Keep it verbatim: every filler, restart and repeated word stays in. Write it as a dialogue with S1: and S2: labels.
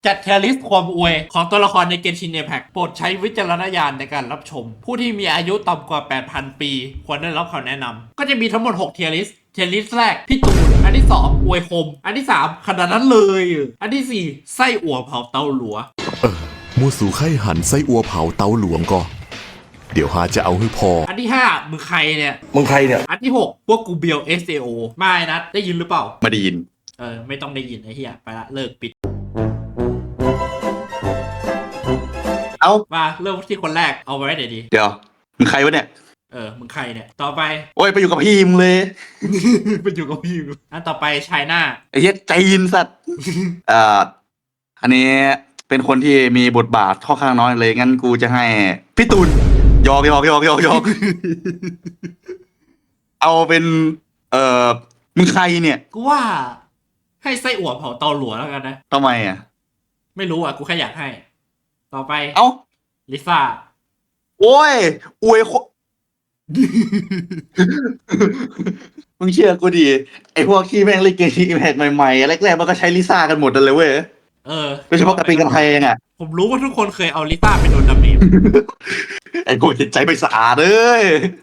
S1: จัดเทลิสต์ความอวยของตัวละครในเกนชิน Impact โปรดใช้วิจารณญาณในการรับชม ผู้ที่มีอายุต่ำกว่า แปดพัน ปี ควรได้รับคำแนะนำก็จะมีทั้งหมดหกเทียริสเทียริสแรก พี่ตูน อันที่สองอวยคม อันที่สามขนาดนั้นเลย อันที่สี่ไส้อั่วเผาเตาหลัว
S2: เออมูสู่ไข่หันไส้อัวเผาเตาหลวงก็ เดี๋ยวหาจะเอาให้พอ
S1: อันที่ห้ามึงใครเนี่ย
S3: มึงใครเนี่ย
S1: อันที่หกพวกกูเบียว เอส เอ โอ ไม่นัดได้ยินหรือเปล่า
S4: ไม่ได้ยิน
S1: เออไม่ต้องได้ยินไอ้เหี้ยไปละเลิกปิด
S4: เอ้า
S1: มาเริ่มที่คนแรกเอาไว้เดี๋ยวดี
S4: เดี๋ยวมึงใครวะเนี่ย
S1: เออมึงใครเนี่ยต่อไป
S4: โอ้ยไปอยู่กับพี่มึงเลย
S1: ไปอยู่กับพี่กูอันต่อไปชายหน้า
S4: ไอ้เหี้ยใจยินสัตว์ เอ่ออันนี้เป็นคนที่มีบทบาทค่อนข้างน้อยเลยงั้นกูจะให้พี่ตุลยอกยอกยอกยอกยอก เอาเป็น เอ่อมึงใครเนี่ย
S1: กูว่า ให้ไส้อั่วเผาเตาหลัวแล้วกันนะ
S4: ทำไมอ่ะ
S1: ไม่รู้อ่ะกูแค่อยากให้ ต่อไป
S4: เอ้า
S1: ลิซ่า
S4: โอ้ยอวยโค มึงเชื่อกูดิไอพวกที่แม่งเล่นเกมที่อิมแพคใหม่ๆแรกๆมันก็ใช้ลิซ่ากันหมดเลยเว้ย
S1: เออ
S4: โดยเฉพาะกับปีกันไทยเองอ่ะ
S1: ผมรู้ว่าทุกคนเคยเอาลิซ่าไปโดนดาเมจ
S4: ไอ้กูจิตใจไม่สะอาดเลย